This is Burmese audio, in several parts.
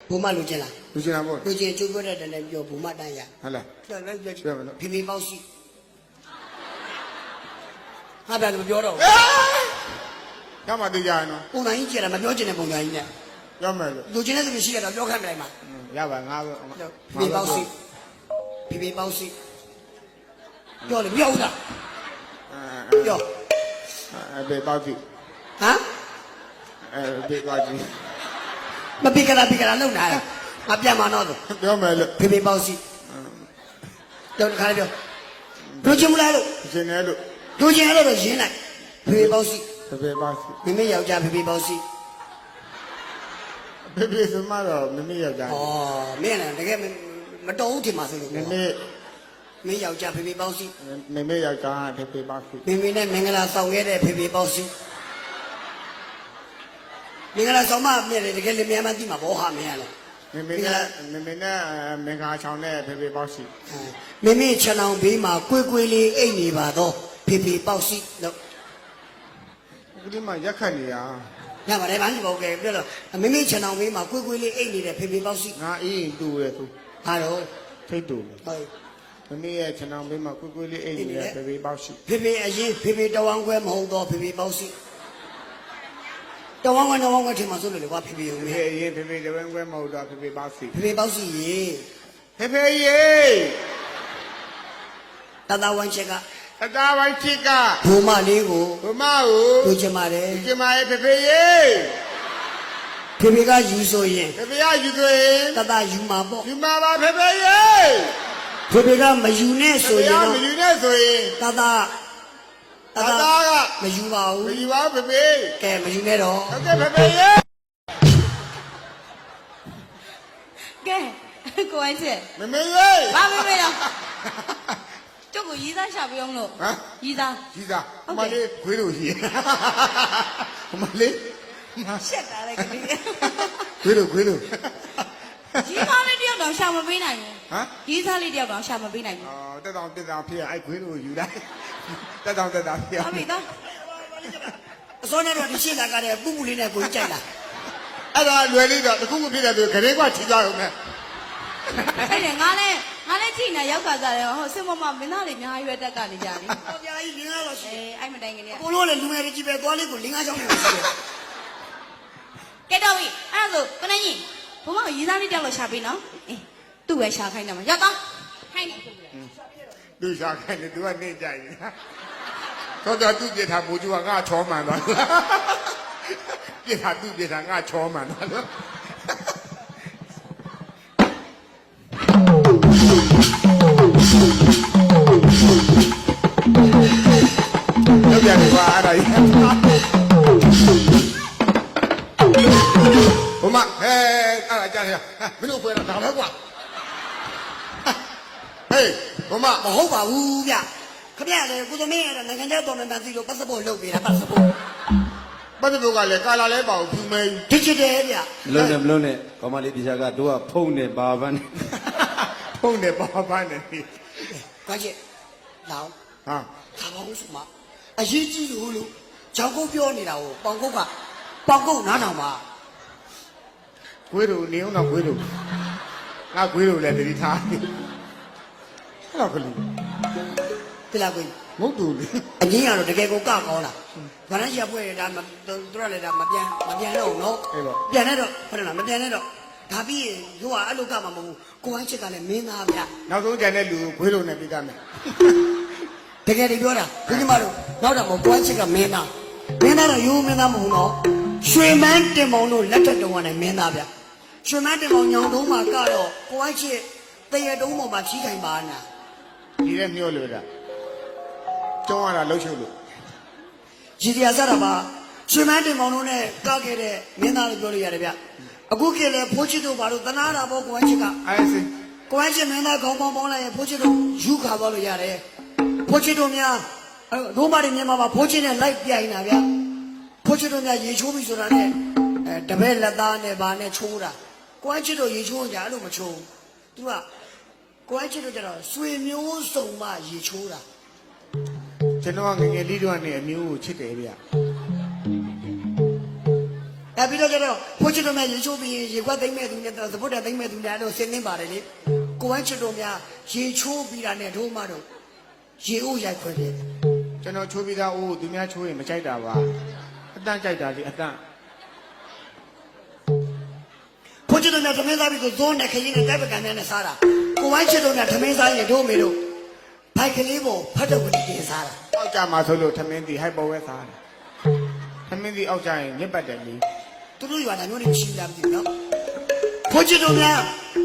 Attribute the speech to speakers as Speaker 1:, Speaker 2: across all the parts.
Speaker 1: ဘူမလူချင်းလား
Speaker 2: လူချင်းလားပေါ့
Speaker 1: လူချင်းကျိုးပြောတဲ့တည်းလည်းပြောဘူမတန်းရ
Speaker 2: ဟုတ်လား
Speaker 1: တော်လည်းပြော
Speaker 2: ပြောမလို့
Speaker 1: ဖေဖေပေါက်စီဟာဗျာလို့ပြောတော့
Speaker 2: ကမှသိကြရနော်
Speaker 1: ပုံစံကြီးကြည့်ရတာမပြောချင်တဲ့ပုံစံကြီးနဲ့
Speaker 2: ပြောမယ်လို့
Speaker 1: လူချင်းတဲ့သူရှိရတော့ပြောခိုင်းမလိုက်မှာ
Speaker 2: ရပါငါပဲ
Speaker 1: ဖေဖေပေါက်စီဖေဖေပေါက်စီပြောလေပြောဦးလားပြော
Speaker 2: ဘေးပေါ့ကြည့်
Speaker 1: ဟမ်
Speaker 2: ဘေးပေါ့ကြည့်
Speaker 1: မပိကလာလုံနာလားငါပြန်မတော့
Speaker 2: ပြောမယ်လို့
Speaker 1: ဖေဖေပေါက်စီတော့ခါပြောလူချင်းမလားလို့
Speaker 2: ရှင်နေလို့
Speaker 1: လူချင်းအဲ့လိုတော့ရင်းလိုက်ဖေဖေပေါက်စီ
Speaker 2: ဘေးပေါ့ကြည့်
Speaker 1: မိမိယောက်ျားဖေဖေပေါက်စီ
Speaker 2: ဘေးဆိုမှတော့မမေ့ယောက်ျား
Speaker 1: ဩမင်းလည်းတကယ်မတော်ဘူးထင်ပါဆိုလို့
Speaker 2: မမေ့
Speaker 1: မင်းယောက်ျားဖေဖေပေါက်စီ
Speaker 2: မမေ့ယောက်ျားဘေးပေါ့ကြည့်
Speaker 1: မိမိနဲ့မင်္ဂလာဆောင်ခဲ့တဲ့ဖေဖေပေါက်စီမင်္ဂလာဆောင်မမြဲတယ်တကယ်လည်းမြန်မှသိမှာဘောဟာမင်းရလဲ
Speaker 2: မမေနဲ့မင်္ဂလာချောင်းနဲ့ဘေးပေါ့ကြည့်
Speaker 1: မိမိခြံအောင်ဘေးမှာကွေးကွေးလေးအိတ်နေပါတော့ဖေဖေပေါက်စီလို့
Speaker 2: အခုဒီမှာရက်ခတ်နေရ
Speaker 1: ညပါတယ်ဘာလို့ပေါ့ကဲပြောတော့မိမိခြံအောင်ဘေးမှာကွေးကွေးလေးအိတ်နေတဲ့ဖေဖေပေါက်စီ
Speaker 2: ငါအေးတူရဲ့သူ
Speaker 1: ဟာတော့
Speaker 2: ထိတ်တူ
Speaker 1: ဟုတ်
Speaker 2: မမေ့ရဲ့ခြံအောင်ဘေးမှာကွေးလေးအိမ်နေတဲ့ဘေးပေါ့ကြည့်
Speaker 1: ဖေဖေအရင်ဖေဖေတဝမ်းခွဲမဟုတ်တော့ဖေဖေပေါက်စီတဝမ်းခွဲထင်မှာဆိုလို့လေကွာဖေဖေရုံ
Speaker 2: ဖေ
Speaker 1: ပဲ
Speaker 2: ဖေရင်ဖေဖေတပန်းခွဲမဟုတ်တော့ဖေဖေပေါ့ကြည့်
Speaker 1: ဖေဖေပေါက်စီရေ
Speaker 2: ဖေဖေရေ
Speaker 1: တတဝမ်းချက်က
Speaker 2: အသားပိုင်းချစ်က
Speaker 1: ဘူမလေးကို
Speaker 2: ဘမကို
Speaker 1: လူချင်ပါတယ်
Speaker 2: ကျမရဲ့ဖေဖေရေ
Speaker 1: ဖေဖေကယူဆိုရင်
Speaker 2: ဖေဖေကယူသွင်း
Speaker 1: တတယူမှာပေါ့
Speaker 2: ယူမှာပါဖေဖေရေ
Speaker 1: ဖေဖေကမယူနဲ့
Speaker 2: ဖေ
Speaker 1: ဆို
Speaker 2: ဖေ
Speaker 1: ရင်
Speaker 2: က
Speaker 1: တော့
Speaker 2: မယူနဲ့ဆိုရင်
Speaker 1: တတ
Speaker 2: အသားက
Speaker 1: မယူပါ
Speaker 2: မ
Speaker 1: ဘူး
Speaker 2: ယူပါဖေဖေ
Speaker 1: ကဲမယူနဲ့တော့
Speaker 2: ဟုတ်ကဲ့ဖေဖေရေ
Speaker 3: ကဲကိုအိုင်းချက်
Speaker 2: မမေရေ
Speaker 3: ဘာမေးမေးတော့ကျုပ်ကိုရီးသားရှာပေးအောင်လို့
Speaker 2: ဟမ်
Speaker 3: ရီးသား
Speaker 2: ကြီးသားအမလေးခွေးလို့ရှိအမလေး
Speaker 3: ရှက်တာလေကလေး
Speaker 2: ခွေးလို့
Speaker 3: ရီးသားလေးတယောက်တော့ရှာမပေးနိုင်ဘူး
Speaker 2: ဟမ်
Speaker 3: ရီးသားလေးတယောက်တော့ရှာမပေးနိုင်ဘူး
Speaker 2: အော်တက်တောင်ဖြစ်အဲ့ခွေးလို့ယူလိုက်တက်တောင်ဖြစ်
Speaker 3: ဟုတ်ပြီသား
Speaker 1: အစောနဲ့တော့ဒီရှင်းလာကြတဲ့ပူပူလေးနဲ့ကိုကြိုက်လာ
Speaker 2: အဲ့ဒါလွယ်လေးတော့တခုခုဖြစ်တဲ့သူခရင်ကချီသွားရုံနဲ့
Speaker 3: အဲ့ဒါငါလည်းကြည့်နေရောက်ခါစားတယ်ဟိုစင်မမမင်းသားလေးအများကြီးပဲတက်ကနေကြပြီ
Speaker 1: ။ဟောပြာကြီးလင်းကားတော့ရှိ
Speaker 3: အဲ့မတိုင်ကနေ
Speaker 1: ။ကိုလို့လေလူငယ်တွေကြီးပဲသွားလေးကိုလင်းကားချောင်းနေရှိတယ်
Speaker 3: ကဲတော့ပြီအဲ့ဒါဆိုကိုနေကြီးဘုမကရီးသားလေးတယောက်လို့ရှာပေးနော်အေးသူ့ပဲရှာခိုင်းတယ်မှာရောက်တော့ခိုင်းတယ်
Speaker 2: သူရှာခိုင်းတယ်သူကနေကြရင်တော့သူပြထားမိုးကျူကငါချောမှန်သွားပြထားငါချောမှန်သွားလို့လောက်ပြန်ပါအဲ့ဒါကြီးဘုမဟဲအဲ့ဒါကြားရမင်းတို့ဖွဲ့တာဒါပဲကွာဟေးဘုမ
Speaker 1: ။မဟုတ်ပါဘူးဗျ။ခမရလေကိုသမင်းရတဲ့နိုင်ငံသားတော်မှန်စီလို့ပတ်စပို့လုပ်ပေးတာပတ်စပို့
Speaker 2: ပတ်သက်ဖို့ကလည်းကာလာလဲပါဘူးဖြူမဲ
Speaker 1: ။ဒီချစ်တယ်ဗျ
Speaker 4: မလုံးနဲ့မလုံးနဲ့ကောမလေးတရားကတို့ကဖုံးနေပါပန်းနေ
Speaker 2: ဖုံးနေပါပန်းနေ
Speaker 1: ။ကွာချစ်။လောင်း
Speaker 2: ဟာ
Speaker 1: ခါပါဦးစမ။အရေးကြီးလို့ဂျောင်ကုတ်ပြောနေတာကိုပေါင်ကုတ်ကပေါင်ကုတ်နားထောင်ပါ
Speaker 2: ခွေးတို့နေအောင်တော့ခွေးတို့ငါခွေးတို့လည်းတတိထားအဲ့တော့ကလေး
Speaker 1: ။တိလာကို
Speaker 2: ငုတ်တူလေ
Speaker 1: အငင်းကတော့တကယ်ကိုကကောင်းလား။ဘာလဲရပွဲဒါသူတို့လည်းဒါမပြန်တော့နော်။ပြန်တော့ဟုတ်တယ်လားမပြန်တော့ဒါပြီးရင်တို့ကအဲ့လိုကမှမဟုတ်ဘူး။ကိုဟန်းချစ်ကလည်းမင်းသားဗျ။
Speaker 2: နောက်ဆုံးကြံတဲ့လူခွေးတို့နဲ့ပြီးသားမယ်
Speaker 1: တကယ်တည်းပြောတာဘုရားမတို့နောက်တော့မကွမ်းချစ်ကမင်းသားတော့ရိုးမင်းသားမဟုတ်တော့ရွှေမန်းတင်မောင်တို့လက်ထက်တုံးကနေမင်းသားဗျရွှေမန်းတင်မောင်ညောင်တုံးမှာကတော့ကွမ်းချစ်တရတုံးပေါ်မှာဖြီးခိုင်ပါနာ
Speaker 2: ဒီတဲ့မျောလို့တာကျောင်းရတာလှုပ်ရှုပ်လို့
Speaker 1: ရည်တရားစတာပါရွှေမန်းတင်မောင်တို့နဲ့ကခဲ့တဲ့မင်းသားလို့ပြောလို့ရတယ်ဗျအခုခေတ်လေဖိုးချစ်တို့ဘာလို့တနာတာပေါ့ကွမ်းချစ်က
Speaker 2: အဲ့စင်
Speaker 1: ကွမ်းချစ်မင်းသားခေါင်းပေါင်းပေါင်းလိုက်ရင်ဖိုးချစ်တို့ယူခါသွားလို့ရတယ်ဖိုးချစ်တို့များဒိုးမတွေမြန်မာမှာဖိုးချစ်နဲ့လိုက်ပြိုင်တာဗျဖိုးချစ်တို့များရေချိုးပြီဆိုတာနဲ့တပည့်လက်သားနဲ့ဗာနဲ့ချိုးတာကွမ်းချစ်တို့ရေချိုးကြအဲ့လိုမချိုးသူကကွမ်းချစ်တို့ကျတော့ဆွေမျိုးစုံမှရေချိုးတာ
Speaker 2: ကျွန်တော်ငငယ်လေးတို့ကနေအမျိုးကိုချစ်တယ်ဗျ
Speaker 1: ပြီးတော့ကျတော့ဖိုးချစ်တို့များရေချိုးပြီးရေခွက်သိမ့်မဲ့သူနဲ့သဘုတ်တဲ့သိမ့်မဲ့သူများတို့ဆင်းနေပါတယ်လေကိုဝမ်းချစ်တို့များရေချိုးပြီးတာနဲ့တို့မှတော့ရေအိုးရိုက်ခွက်တယ်
Speaker 2: ကျွန်တော်ချိုးပြီးသားအိုးသူများချိုးရင်မကြိုက်တာပါအတန့်ကြိုက်တာလေအတန့်
Speaker 1: ဖိုးချစ်တို့များသမင်းစားပြီးဆိုဇိုးနဲ့ခရင်နဲ့တိုက်ပကံနဲ့စားတာကိုဝမ်းချစ်တို့များသမင်းစားရင်တို့မေတို့ဘိုက်ကလေးပေါ်ဖတ်တော့ကိုတင်စားတာ
Speaker 2: အောက်ကြမှာဆိုလို့ထမင်းတီဟိုက်ပေါ်ဝဲစားတယ်ထမင်းတီအောက်ကြရင်ညစ်ပတ်တယ်လေ
Speaker 1: သူတို့ရွာတိုင်းမျိုးတွေချင်းလာပြီနော်ဖိုးချစ်တို့များ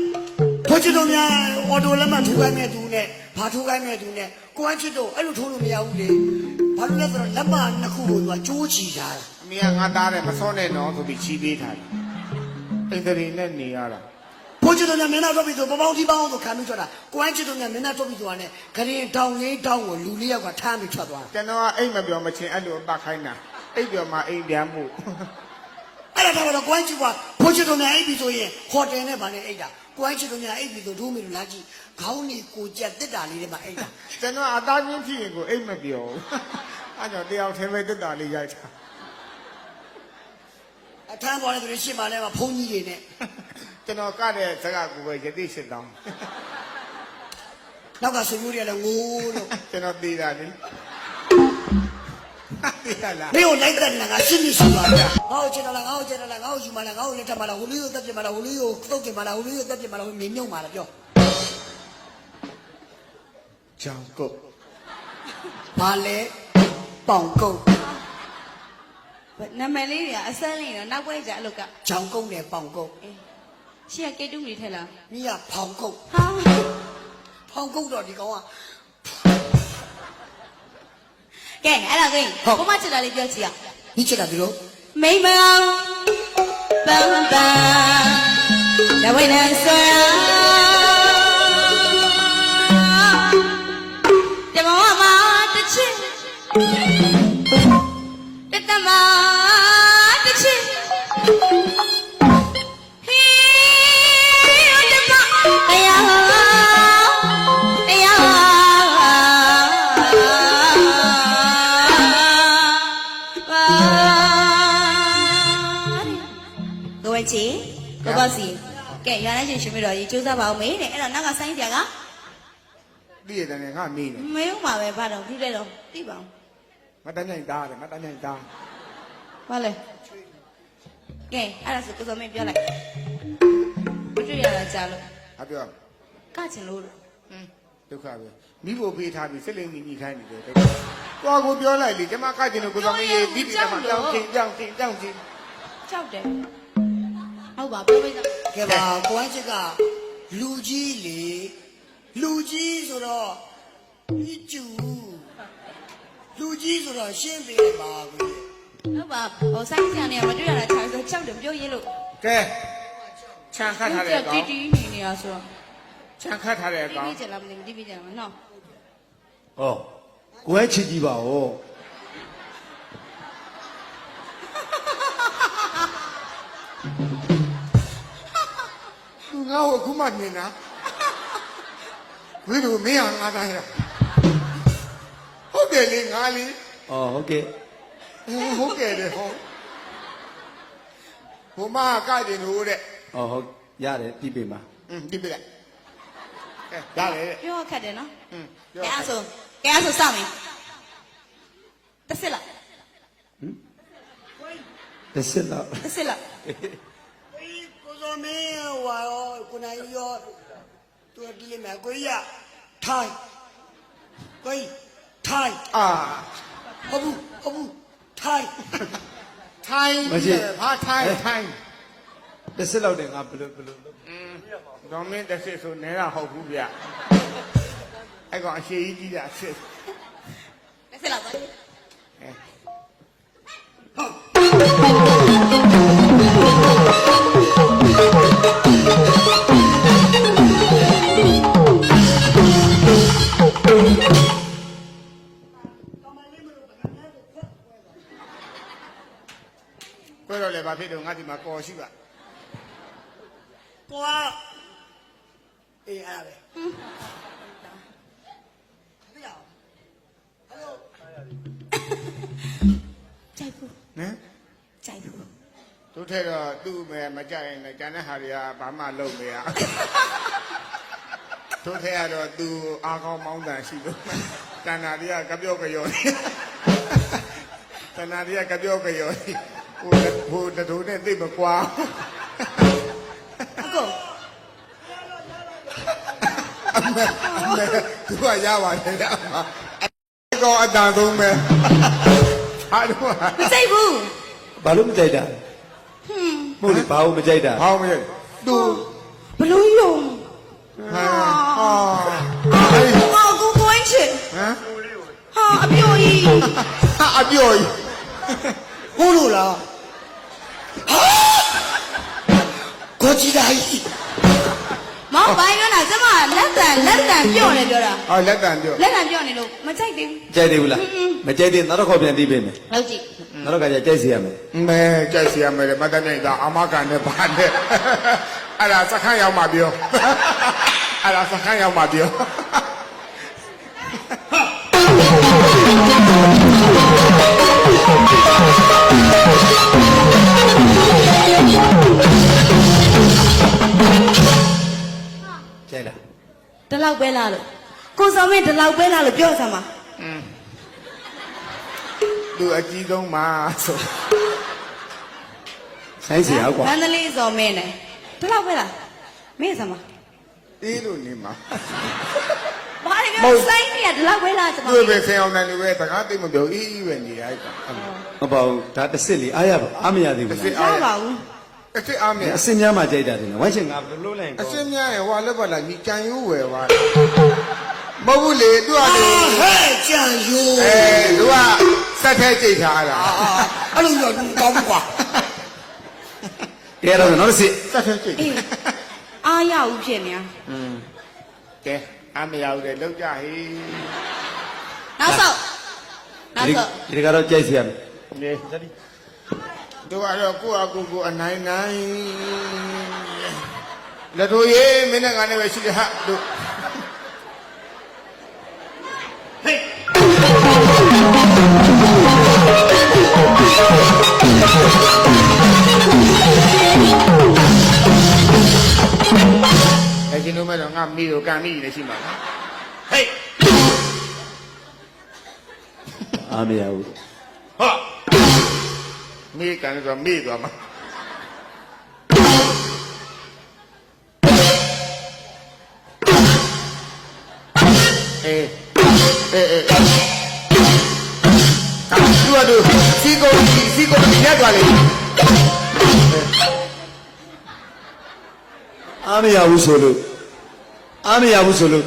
Speaker 1: အော်တိုလက်မှထိုးခိုင်းမဲ့သူနဲ့ဘာထိုးခိုင်းမဲ့သူနဲ့ကိုဝမ်းချစ်တို့အဲ့လိုထိုးလို့မရဘူးလေဘာလို့လဲဆိုတော့လက်မနှစ်ခုကိုသူကကြိုးချီထားတာ
Speaker 2: အမေကငါသားတယ်မစောနဲ့နော်ဆိုပြီးချီးပေးထားတယ်အိမ်တွေနဲ့နေရတာ
Speaker 1: ဖိုးချစ်တို့များမင်းသားတော့ပြီးဆိုပပေါင်းတီးပေါင်းဆိုခံပြီးထွက်တာကိုဝမ်းချစ်တို့များမင်းသားတော့ပြီးဆိုတာနဲ့ခရင်တောင်လေးတောင်ကိုလူလေးယောက်ကထမ်းပြီးထွက်သွားတာ
Speaker 2: ကျွန်တော်ကအိမ်မပြောမချင်းအဲ့လိုအပတ်ခိုင်းတာအိမ်ပြောမှအိမ်ပြန်မှု
Speaker 1: အဲ့ဒါတော့ကိုဝမ်းချစ်ကဖိုးချစ်တို့များအိပ်ပြီးဆိုရင်ဟိုတယ်နဲ့ဗာနဲ့အိပ်တာကိုဝမ်းချစ်တို့များအိပ်ပြီးဆိုဒိုးမီလူလာကြည့်ခေါင်းနေကိုကြက်တစ်တာလေးတွေမှာအိပ်တာ
Speaker 2: ကျွန်တော်အသားချင်းဖြစ်ရင်ကိုအိမ်မပြောဘူးအဲ့တော့တယောက်ထဲပဲတက်တာလေးရိုက်တာ
Speaker 1: အထမ်းပေါ်တဲ့သူတွေရှင်းပါလဲမှာဘုန်းကြီးတွေနဲ့
Speaker 2: ကျွန်တော်ကတဲ့စကားကိုပဲယတိရှင်းတောင်း
Speaker 1: နောက်ကဆွေမျိုးတွေကလည်းငိုးလို့
Speaker 2: ကျွန်တော်သေးတာလေသေးရလား
Speaker 1: မင်းကိုလိုက်တဲ့ငါရှင်းနေရှိပါဗျာငါ့ကိုချစ်တယ်လားငါ့ကိုချစ်တယ်လားငါ့ကိုယူမလားငါ့ကိုလက်ထပ်မလားဟိုလူကိုတက်ပြမလားဟိုလူကိုသုတ်ပြမလားဟိုလူကိုတက်ပြမလားဟိုမြင်မြုံမလားပြော
Speaker 2: ကြောင်ကုတ်
Speaker 1: ဘာလဲပေါင်ကုတ်
Speaker 3: နာမည်လေးတွေကအစမ်းလေးတော့နောက်ပွဲကြအလုတ်က
Speaker 1: ဂျောင်ကုတ်နဲ့ပေါင်ကုတ်
Speaker 3: ရှေ့ကကေတူးနေထဲလား
Speaker 1: မိကဖောင်ကုတ်
Speaker 3: ဟာ
Speaker 1: ဖောင်ကုတ်တော့ဒီကောင်က
Speaker 3: ကဲအဲ့ဒါကိကိုမချစ်တာလေးပြောကြည့်အောင်
Speaker 1: မိချစ်တာဒီလို
Speaker 3: မိမအောင်ပန်းပန်းလဝိနဆွာတမောမတချစ်တတမတချစ်ဟေးတမတရားကိုဝချီကိုပေါ့စီကဲရွာနဲ့ရှင်ရှင်မတော်ကြီးစူးစမ်းပါအောင်မေးတဲ့အဲ့တော့နောက်ကဆိုင်းပြက
Speaker 2: တည့်ရတယ်ငါမေးနေ
Speaker 3: မေးဦးမှာပဲဘာတော့ပြီးတဲ့တော့သိပါအောင်
Speaker 2: မတန်းနိုင်သားတယ်မတန်းနိုင်သား
Speaker 3: ဘာလဲကဲအဲ့ဒါဆိုကိုစောမင်းပြောလိုက်မတွေ့ရတာကြားလို့
Speaker 2: ဟာပြော
Speaker 3: ကချင်လို့
Speaker 2: ဒုက္ခပဲမိဖို့ဖေးထားပြီးစစ်လိမ့်မိခိုင်းနေတယ်ကိုကိုပြောလိုက်လေကျမကကျင်လို့ကိုတော်မင်းရေးပြီးပြီးမှတောင်းချင်းတောင်းချင်း
Speaker 3: ကြောက်တယ်ဟုတ်ပါပြောပေးစမ်း
Speaker 1: ကဲပါကိုဝမ်းချစ်ကလူကြီးလေလူကြီးဆိုတော့ဒီကျူလူကြီးဆိုတော့ရှင်းပေးလိုက်ပါကို
Speaker 3: ဟုတ်ပါဟိုဆိုင်းချန်နေမတွေ့ရတာခြားဆိုကြောက်တယ်ပြောရေးလို့
Speaker 2: ကဲခြံခတ်ထားတဲ့ကောင်
Speaker 3: တီတီနေနေရဆိုတော့
Speaker 2: ခြံခတ်ထားတဲ့
Speaker 3: တီး
Speaker 2: ကောင်
Speaker 3: ပြီးကြလားမသိဘူးတီးပြီးကြလားမနော်
Speaker 4: ဟောကိုယ်ချစ်ကြည့်ပါဦး
Speaker 2: ငါ့ကိုအခုမှမြင်တာဝိတို့မင်းဟာငါသားရဟုတ်တယ်လေငါလေ
Speaker 4: အော်ဟုတ်ကဲ့
Speaker 2: ဟုတ်ကဲ့တယ်ဟောဘုမကကြင်လို့တဲ့
Speaker 4: အော်ဟုတ်ရတယ်ပြီးပြီမှာ
Speaker 2: ဒီပြလိုက်ရတယ်တဲ့
Speaker 3: ပြောခက်တယ်နော်
Speaker 2: ပြော
Speaker 3: ကဲအဲ့ဆိုစောင့်ရင်တစ်စစ်လား
Speaker 4: တစ်စစ်တော့
Speaker 3: တစ်စစ်လား
Speaker 1: ကိုစောမင်းဟွာရောကိုနိုင်ရောသူဒီလိမ့်မယ်ကိုကြီးကထိုင်ကိုကြီးထိုင်
Speaker 2: အာ
Speaker 1: ဟုတ်ဘူးထိုင်
Speaker 2: ထိုင်းဘာထိုင်းထိုင်း
Speaker 4: တစ်စစ်လောက်တယ်ငါဘယ်လို
Speaker 2: ဒေါ်မင်းတစ်စစ်ဆိုနဲတာဟုတ်ဘူးဗျအဲ့ကောင်အရှိကြီးကြီးတာစစ်
Speaker 3: တစ်စစ်လားသွား
Speaker 2: ကွဲတော့လေဘာဖြစ်တော့ငါဒီမှာကော်ရှိပါ
Speaker 1: ကိုကအေးအဲ့ဒါပဲဟယ်လို
Speaker 3: ကြိုက်ဘူး
Speaker 2: နော်
Speaker 3: ကြိုက်ဘူး
Speaker 2: တို့တို့ထဲတော့သူ့မဲမကြိုက်ရင်လည်းကျန်တဲ့ဟာတွေကဘာမှလုပ်မရတို့ထဲကတော့သူအားကောင်းမောင်းတန်ရှိလို့တဏ္ဍာတွေကကပြော့ကြော်တဏ္ဍာတွေကကပြော့ကြော်ဟိုတတို့နဲ့သိမကွာ
Speaker 3: အကို
Speaker 2: အမေသူကရပါတယ်အမအကောင်အတန်ဆုံးပဲအားလုံး
Speaker 3: မစိတ်ဘူး
Speaker 4: ဘာလို့မကြိုက်တာမဟုတ်လေဘာလို့မကြိုက်တာ
Speaker 2: ဟောင်းမရသူ
Speaker 3: ဘလို့ယုံ
Speaker 2: ဟာ
Speaker 3: ဟာကိုကိုင်းချစ်
Speaker 2: ဟမ်
Speaker 3: ဟာအပြိုကြီး
Speaker 2: အပြော်ကြီး
Speaker 1: ဟုတ်လို့လားဟာကိုကြီးတိုင်း
Speaker 3: မောင်ပိုင်းပြောတာကျမလက်တန်ပြော့နေပြောတာ
Speaker 2: အော်လက်တန်ပြော
Speaker 3: လက်တန်ပြော့နေလို့မကြိုက်သေးဘူး
Speaker 4: ကြိုက်သေးဘူးလားမကြိုက်သေးနောက်တစ်ခေါက်ပြန်သိပေးမယ်
Speaker 3: ဟုတ်ကြည့်
Speaker 4: နောက်တစ်ခါကျကြိုက်စီရမယ်
Speaker 2: မဲကြိုက်စီရမယ်မတတ်နိုင်တာအမကန်နဲ့ပါနဲ့အဲ့ဒါစခန်းရောက်မှပြောအဲ့ဒါစခန်းရောက်မှပြော
Speaker 4: ကြိုက်လား
Speaker 3: ဒီလောက်ပဲလားလို့ကိုစောမင်းဒီလောက်ပဲလားလို့ပြောစမ်းပါ
Speaker 2: သူအကြီးဆုံးမှာဆို
Speaker 4: ဆိုင်စီအောင်ကွာ
Speaker 3: မန္တလေးစောမင်းနဲ့ဒီလောက်ပဲလားမင်းစမ်းပါ
Speaker 2: အေးလို့နေမှာ
Speaker 3: ဘာလဲပြောစိုင်းနေရဒီလောက်ပဲလားကျမ
Speaker 2: သူပဲဆင်အောင်တယ်လူပဲတကားသိမပြောအေးပဲနေရိုက်တာ
Speaker 4: မပေါ့ဒါတစ်စစ်လေအားရပါအားမရသေးဘူး
Speaker 3: ရ
Speaker 4: လား
Speaker 3: ပါဘူး
Speaker 2: အစ်အားမရ
Speaker 4: အစင်များမှကြိုက်တာတင်တယ်ဝိုင်းချင်ငါဘယ်လိုလုပ်လိုက်ရင်
Speaker 2: အ
Speaker 4: ကော
Speaker 2: စင်းများရဲ့ဟွာလက်ပါလာညီကြံရိုးဝယ်ပါမဟုတ်ဘူးလေသူကလေ
Speaker 1: ဟဲ့ကြံရိုး
Speaker 2: သူကစက်ထဲကြိတ်ထားတာ
Speaker 1: အဲ့လိုတော့ကောင်းကွာ
Speaker 4: ကဲတော့နောက်တစ်စစ်
Speaker 2: စက်ထဲကြိတ်
Speaker 3: အေးအားရဘူးဖြစ်နေ
Speaker 2: ကဲအမရဘူးလေလောက်ကြဟေး
Speaker 3: နောက်ဆောက်နောက်ဆောက်
Speaker 4: ဒီကတော့ကြိုက်စီရမယ်
Speaker 2: နေသူကတော့ကိုယ့်အကူကိုအနိုင်နိုင်လက်ထိုးရေးမင်းနဲ့ငါနဲ့ပဲရှိတယ်ဟာတို့အဲ့ဒီလိုမဲ့တော့ငါမိကိုကန်မိနေရှိမှာဟေး
Speaker 4: အားမရဘူး
Speaker 2: ဟာမိကန်ဆိုမိသွားမှာအေးသူကတို့စီကိုရက်သွားလေ
Speaker 4: အားမရဘူးဆိုလို့အားမရဘူးဆိုလို့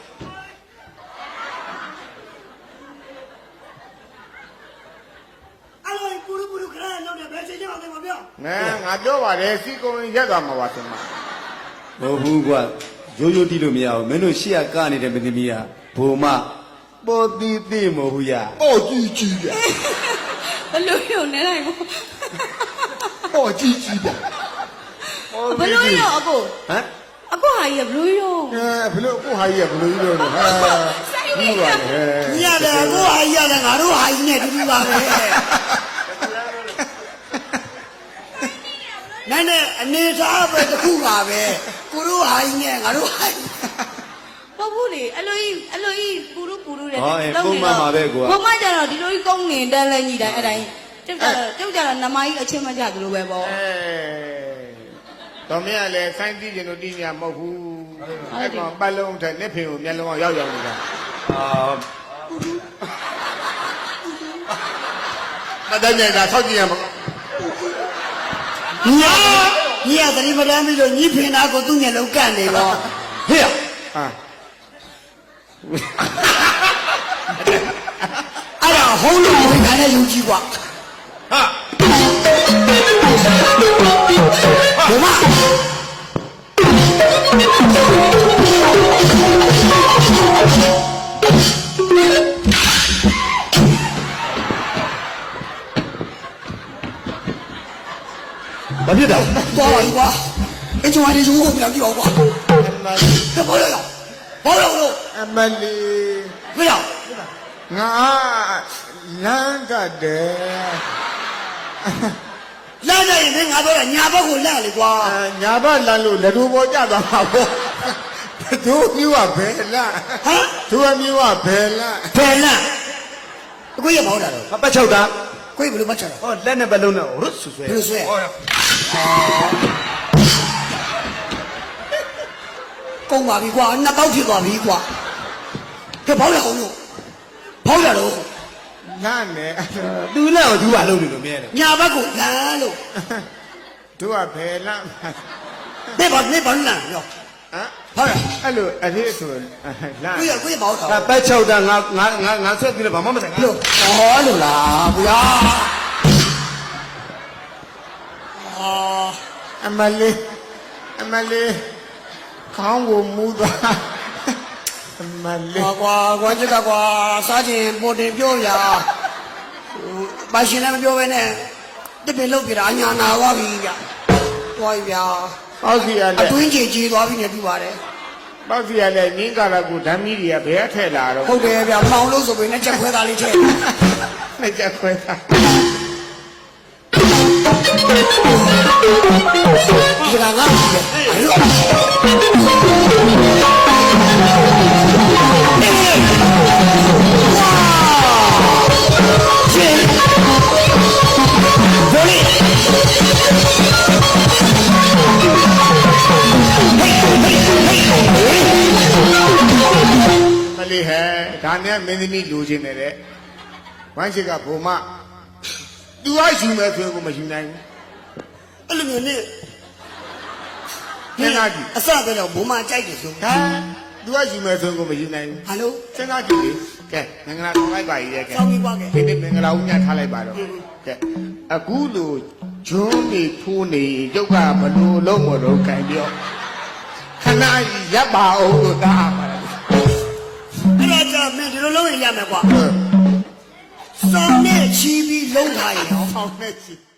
Speaker 1: အဲ့လိုပူရခရလောက်တယ်ဘယ်ချိန်ကြောက်တယ်မပြော
Speaker 2: ငါပြောပါတယ်စီကိုရက်သွားမှာပါသင်မ
Speaker 4: မဟုတ်ဘူးကွာရိုးရိုးတီးလို့မရဘူးမင်းတို့ရှေ့ကကနေတဲ့မင်းသမီးကဘုံမပေါ်တီးသိမဟုတ်ဘူးရ
Speaker 2: အော်ကြီးကြီးပြ
Speaker 3: ဘလို့ယုံနေလိုက်ဘူး
Speaker 2: အော်ကြီးကြီးပြ
Speaker 3: ဘလို့ယုံအကို
Speaker 4: ဟမ်
Speaker 3: အကိုဟာကြီးဘလို့ယုံ
Speaker 2: ဘလို့ကိုဟာကြီးကဘလို့ကြီးလို့လဲဟာ
Speaker 3: စိုင်းနေ
Speaker 2: ဘူးပါလေ
Speaker 1: ရတယ်ကိုဟာကြီးရတယ်ငါတို့ဟာကြီးနဲ့တူတူပါပဲနိုင်နဲ့အနေသားပဲတခုပါပဲကိုတို့ဟာကြီးနဲ့ငါတို့ဟာကြီး
Speaker 3: ဟုတ်ဘူးလေအလိုကြီးပူရတဲ့
Speaker 4: ဟောအေးပုံမှန်ပါပဲကွာ
Speaker 3: ဘုံမကျတော့ဒီလိုကြီးကုန်းငင်တန်းလဲညီတိုင်းအဲ့တိုင်းကျုပ်ကြတော့နမကြီးအချင်းမကြသလိုပဲပေါ့
Speaker 2: တော်မင်းကလည်းဆိုင်းတီးကျင်တို့တီးညာမဟုတ်ဘူးအဲ့ကောင်ပတ်လုံးထက်နှစ်ဖင်ကိုမျက်လုံးရောက်နေတာ
Speaker 4: အာ
Speaker 2: မတတ်နိုင်တာဆောက်ကြည့်ရမှာ
Speaker 1: ညီကသတိမတမ်းပြီးတော့ညီဖင်သားကိုသူ့မျက်လုံးကန့်နေတော့
Speaker 4: ဟေ့
Speaker 2: ဟာ
Speaker 1: အဲ့ဒါဟုံးလို့ဝင်ခံတဲ့ယူကြီးကွာ
Speaker 2: ဟာ
Speaker 1: ဘုမ
Speaker 4: ဘာဖြစ်တာ
Speaker 1: သွားပါကွာအကျိုးအရေးယူကိုပြန်ကြည့်အောင်ကွာ
Speaker 2: အမလီ
Speaker 1: ဘာလို့လဲဘာလို့
Speaker 2: အမလီ
Speaker 1: မရ
Speaker 2: ငါလမ်းကတဲ့
Speaker 1: လာကြရင်မင်းငါပြောတာညာဘက်ကိုလန့်လေကွာ
Speaker 2: ညာဘက်လမ်းလို့လက်တို့ပေါ်ကြသွားမှာပေါ့တို့မျိုးကဘယ်လန့်
Speaker 1: ဟမ်
Speaker 2: တို့မျိုးကဘယ်လန့်
Speaker 1: ဘယ်လန့်ကိုရမဟုတ်တာတော့
Speaker 4: ပတ်ချုပ်တာ
Speaker 1: ကိုရဘယ်လိုမှတ်ချတာ
Speaker 4: ဟောလက်နဲ့ပတ်လုံးနဲ့ရတ်ဆွဆွဲ
Speaker 1: ဘယ်လိုဆွဲ
Speaker 4: ဟော
Speaker 1: ကုန်ပါပြီကွာနှစ်ပေါက်ဖြစ်သွားပြီကွာကဲဘောက်ရအောင်လို့ဘောက်ရတော့
Speaker 2: လန့်နေ
Speaker 4: သူလက်ကိုသူကလုံးနေလို့မရနဲ့
Speaker 1: ညာဘက်ကိုလန့်လို့
Speaker 2: တို့ကဘယ်လန့်
Speaker 1: နေပါလန့်ရော
Speaker 2: ဟမ်
Speaker 1: ဟုတ်ရ
Speaker 2: အဲ့လိုအသေးဆိုလန့်
Speaker 1: ကိုရဘောက်တာ
Speaker 4: ငါပတ်ချုပ်တာငါဆွဲပြီးတော့ဘာမှမဆိုင်
Speaker 1: လို့ဟောလို့လားဗျာအာ
Speaker 2: အမလေးခေါင်းကိုမူးသွားအမလေး
Speaker 1: ကွာကွာချက်ကကွာစားခြင်းပေါ်တင်ပြောရပါရှင်လည်းမပြောဘဲနဲ့တပင်လုတ်ပြတာအညာနာသွားပြီဗျသွားပြီဗျာ
Speaker 2: ပေါ့စီရ
Speaker 1: အ
Speaker 2: လဲ
Speaker 1: တွင်းကြီးကြီးသွားပြီနဲ့ပြပါတယ်
Speaker 2: ပေါ့စီရလဲနင်းကာလာကိုဓာမီတွေကဘယ်ထည့်လာတော့
Speaker 1: ဟုတ်တယ်ဗျမောင်လို့ဆိုပြီးနဲ့ချက်ခွဲသားလေးထည့်
Speaker 2: နဲ့ကြခွဲတာ
Speaker 1: ဒီကငါ့ကိုအဲ့လို
Speaker 2: မလေးဟဲ့ဒါနဲ့မင်းသမီးလူချင်းနေတဲ့ဝမ်းရှိကဘုံမသူကယူမယ်ဆိုရင်ကိုမယူနိုင်ဘူး
Speaker 1: အဲ့လိုမျိုးနဲ့
Speaker 2: စဉ်းစားကြည့်
Speaker 1: အစပဲတော့ဘုံမကြိုက်တယ်ဆို
Speaker 2: ဒါသူကယူမယ်ဆိုရင်ကိုမယူနိုင်ဘူး
Speaker 1: ဟာလို့
Speaker 2: စဉ်းစားကြည့်လေကဲမင်္ဂလာဆောင်လိုက်ပါရဲ့ကဲ
Speaker 1: စောင်းပြီးွားခဲ့
Speaker 2: ဒီနေ့မင်္ဂလာဦးညထားလိုက်ပါတော့ကဲအခုလိုဂျွန်းနေထိုးနေရုပ်ကဘလို့လုံးမလို့ခံပြောခဏရပ်ပါအောင်လို့တားပါလား
Speaker 1: အဲ့ဒါကြောင့်မင်းဒီလိုလုံးရင်ရမယ်ကွာစောင်းနဲ့ချီးပြီးလုံးထားရင်ဟော
Speaker 2: ဆောင်းနေချီ